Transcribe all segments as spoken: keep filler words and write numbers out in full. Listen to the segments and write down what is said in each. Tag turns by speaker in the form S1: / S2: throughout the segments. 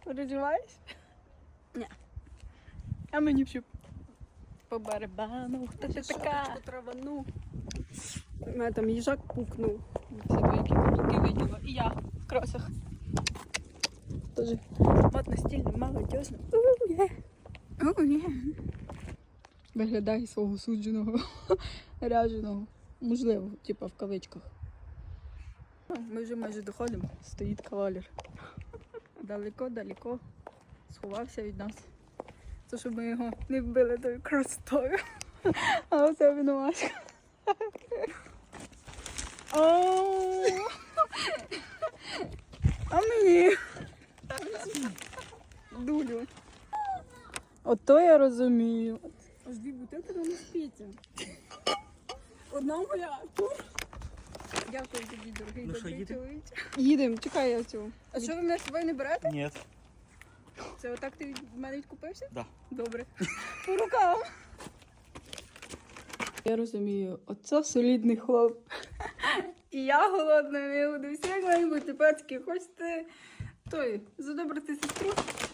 S1: Переживаєш? Ні. А мені всю по барабану. Хто ти така? Травану. У мене там їжак пукнув. Все двоякі каблуки виділа. І я в кросах. Тоже модно, стильно, молодежно. Уе. Уе. Виглядає свого судженого, ряженого. Можливо, типа в кавичках. Ми вже майже доходимо. Стоїть кавалер. Далеко-далеко сховався від нас. Це щоб ми його не вбили тою красотою. А оце винувачка. А мені дулю. Ото я розумію. Аж дві бутилки не спіться. Одна моя. Дякую тобі, дорогий
S2: Ну що,
S1: добрий
S2: їдемо?
S1: чоловік. Їдемо, чекай я цю. А що ви мене з собою не берете?
S2: Ні.
S1: Це отак ти від мене відкупився?
S2: Да.
S1: Добре. По рукам. Я розумію, оце солідний хлоп. І я голодна, не буду. Всі як мають бути, пацки. Хочете той, задобрити сестру?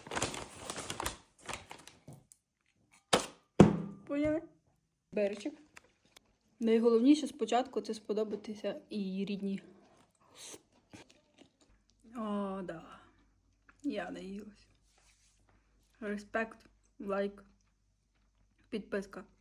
S1: Поняли? Беречик. Найголовніше спочатку це сподобатися і її рідні. О, да. Я наїлась. Респект, лайк, підписка.